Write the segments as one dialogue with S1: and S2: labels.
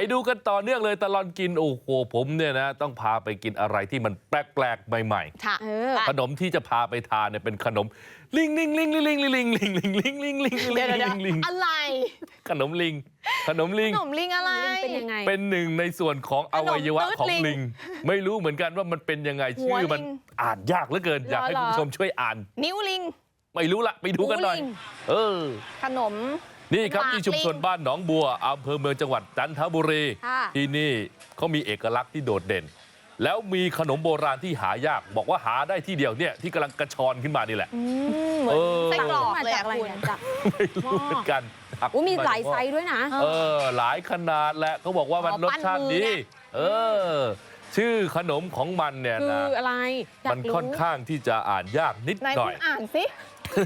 S1: ดูกันต่อเนื่องเลยตลอดกินโอ้โหผมเนี่ยนะต้องพาไปกินอะไรที่มันแปลกๆใหม่ๆขนมที่จะพาไปทานเนี่ยเป็นขนมลิงลิงลิงลิงลิงลิงลิงลิงลิงลิงลิงลิงลิงลิง
S2: อะไร
S1: ขนมลิงขนมลิง
S2: อะไร
S3: เป็นยังไง
S1: เป็นหนึ่งในส่วนของอวัยวะของลิงไม่รู้เหมือนกันว่ามันเป็นยังไงชื่อมันอ่านยากเหลือเกินอยากให้คุณผู้ชมช่วยอ่าน
S2: นิ้วลิง
S1: ไม่รู้ละไปดูกันหน่อย
S2: ขนม
S1: นี่ครับที่ชุมชนบ้านหนองบัวอำเภอเมืองจังหวัดจันทบุรีที่นี่เขามีเอกลักษณ์ที่โดดเด่นแล้วมีขนมโบราณที่หายากบอกว่าหาได้ที่เดียวเนี่ยที่กำลังกระชอนขึ้นมานี่แหละ
S2: ไส้กรอก
S3: มาจากอะไรเนี่ยจาก
S1: ไม่รู้เหมือนกัน
S3: มีหลายไซส์ด้วยนะ
S1: หลายขนาดแหละเขาบอกว่ามันรสชาติดีชื่อขนมของมันเนี่ยนะ
S3: คืออะไร
S1: มันค่อนข้างที่จะอ่านยากนิดหน่อย
S2: อ่านสิ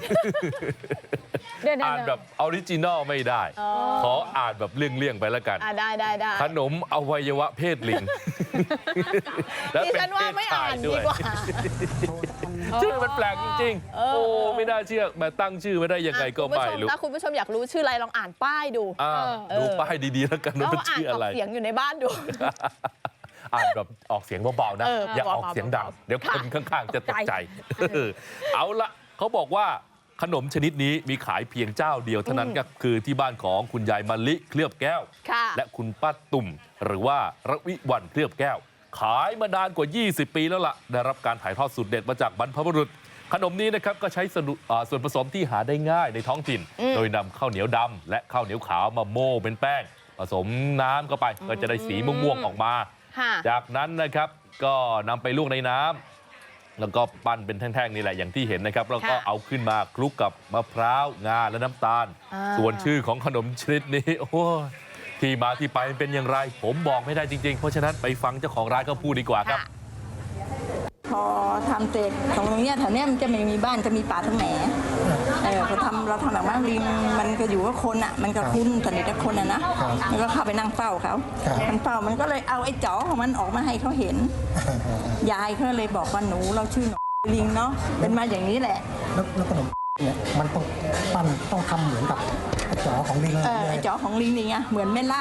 S1: อ่านแบบออริจินอลไม่ได้ขออ่านแบบเลี่ยงๆไปแล้วกัน
S2: ได้
S1: ขนมอวัยวะเพศลิง
S2: แล้วเป็นเพศชายด้วย
S1: ชื่อมันแปลกจริงๆโอ้ไม่น่าเชื่อมาตั้งชื่อไม่ได้ยังไงก็ไม่รู้
S2: ถ้าคุณผู้ชมอยากรู้ชื่ออะไรลองอ่านป้ายดู
S1: ดูป้ายดีๆแล้วกันว่ามันชื่ออะไร
S2: เสียงอยู่ในบ้านดู
S1: อ่านแบบออกเสียงเบาๆนะอย่าออกเสียงดังเดี๋ยวคนข้างๆจะตกใจเอาละเขาบอกว่าขนมชนิดนี้มีขายเพียงเจ้าเดียวเท่านั้นก็คือที่บ้านของคุณยายมะลิเคลือบแก้วและคุณป้าตุ่มหรือว่าระวิวันเคลือบแก้วขายมานานกว่า20ปีแล้วล่ะได้รับการถ่ายทอดสูตรเด็ดมาจากบรรพบุรุษขนมนี้นะครับก็ใช้ส่วนผสมที่หาได้ง่ายในท้องถิ่นโดยนำข้าวเหนียวดำและข้าวเหนียวขาวมาโม่เป็นแป้งผสมน้ำเข้าไปก็จะได้สีม่วงๆออกมาจากนั้นนะครับก็นำไปลวกในน้ำแล้วก็ปั้นเป็นแท่งๆนี่แหละอย่างที่เห็นนะครับแล้วก็เอาขึ้นมาคลุกกับมะพร้าวงาและน้ำตาลส่วนชื่อของขนมชนิดนี้โอ้ที่มาที่ไปเป็นอย่างไรผมบอกไม่ได้จริงๆเพราะฉะนั้นไปฟังเจ้าของร้านเขาพูดดีกว่าครับ
S4: พอทำเสร็จตรงนี้แถวนี้มันจะไม่มีบ้านจะมีป่าทั้งแหนพอเราทำแบบว่าลิงมันก็อยู่กับคนอ่ะมันก็คุ้นสนิทกับคนอ่ะนะมันก็เข้าไปนั่งเฝ้าเขามันเฝ้ามันก็เลยเอาไอ้จ๋อของมันออกมาให้เขาเห็นยายเขาเลยบอกว่าหนูเราชื่อหนูลิงเนาะเป็นมาอย่างนี้แหละ
S5: แล้วขนมเนี่ยมันต้องปั้นต้องทำเหมือนกับไอ้จ๋อของลิง
S4: ไอ้จ๋อของลิงนี่ไงเหมือนแม่ล่า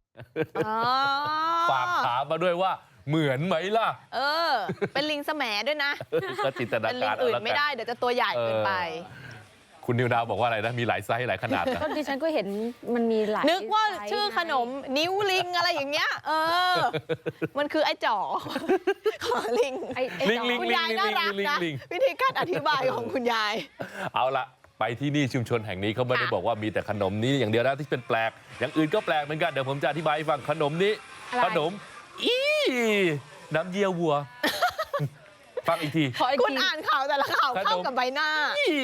S1: ฝากถามมาด้วยว่าเหมือนไหมล่ะ
S2: เป็นลิงแสมด้วยนะ
S1: ก็จินตนาการ
S2: เป็นลิงอื่นไม่ได้เดี๋ยวจะตัวใหญ่เกินไป
S1: คุณนิวดาวบอกว่าอะไรนะมีหลายไซส์หลายขนาด
S3: ก็ดิฉันก็เห็นมันมีหลาย
S2: นึกว่าชื่อขนมนิ้วลิงอะไรอย่างเงี้ยมันคือไอ้จ๋อของลิงคุณยายน่ารักนะวิธีการอธิบายของคุณยาย
S1: เอาละไปที่นี่ชุมชนแห่งนี้เขาไม่ได้บอกว่ามีแต่ขนมนี้อย่างเดียวนะที่เป็นแปลกอย่างอื่นก็แปลกเหมือนกันเดี๋ยวผมจะอธิบายให้ฟังขนมนี้ขนมน้ำเยี่ยววัวฟังอีกที
S2: คุณอ่านข่าวแต่ละข่าวเข้ากับใบหน้า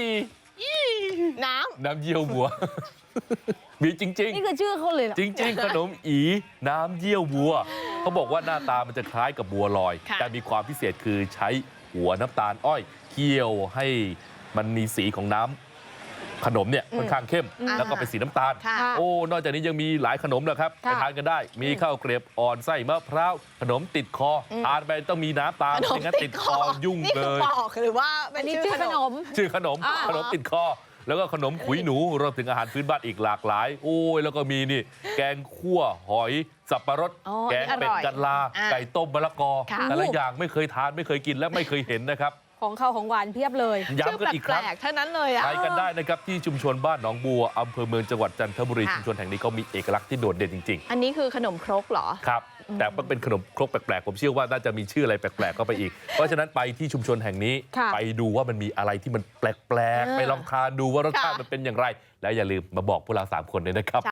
S1: น้ำเยี่ยววัวมีจริงๆ
S3: นี่คือชื่อเขาเลย
S1: จริงๆขนมน้ำเยี่ยววัวเขาบอกว่าหน้าตามันจะคล้ายกับบัวลอยแต่มีความพิเศษคือใช้หัวน้ำตาลอ้อยเคี่ยวให้มันมีสีของน้ำขนมเนี่ยค่อนข้างเข้มแล้วก็เป็นสีน้ำตาลโอ้นอกจากนี้ยังมีหลายขนมนะครับไปทานกันได้มีข้าวเกรียบอ่อนไส้มะพร้าวขนมติดคอทานไปต้องมีน้ำตาลไม่งั้นติดคอยุ่งเลย
S2: นี่คือบอกหรือว่าเป็นชื่อขนม
S1: ขนมติดคอแล้วก็ขนมขุยหนูรวมถึงอาหารพื้นบ้านอีกหลากหลายโอ้ยแล้วก็มีนี่แกงคั่วหอยสับปะรดแกงเป็ดกันลาไก่ต้มมะละกอแต่ละอย่างไม่เคยทานไม่เคยกินและไม่เคยเห็นนะครับ
S3: ของข้าวของหวานเพียบเลย
S1: ย้ำกันอีกครั้ง
S2: เท่านั้นเลย
S1: ไปกันได้นะครับที่ชุมชนบ้านหนองบัวอำเภอเมืองจังหวัดจันทบุรีชุมชนแห่งนี้เขามีเอกลักษณ์ที่โดดเด่นจริง
S2: ๆอันนี้คือขนมครกเหรอ
S1: ครับแต่มันเป็นขนมครกแปลกๆผมเชื่อว่าน่าจะมีชื่ออะไรแปลกๆเข้าไปอีกเพราะฉะนั้นไปที่ชุมชนแห่งนี้ไปดูว่ามันมีอะไรที่มันแปลกๆไปลองทานดูว่ารสชาติมันเป็นอย่างไรและอย่าลืมมาบอกพวกเรา3 คนเลยนะครับ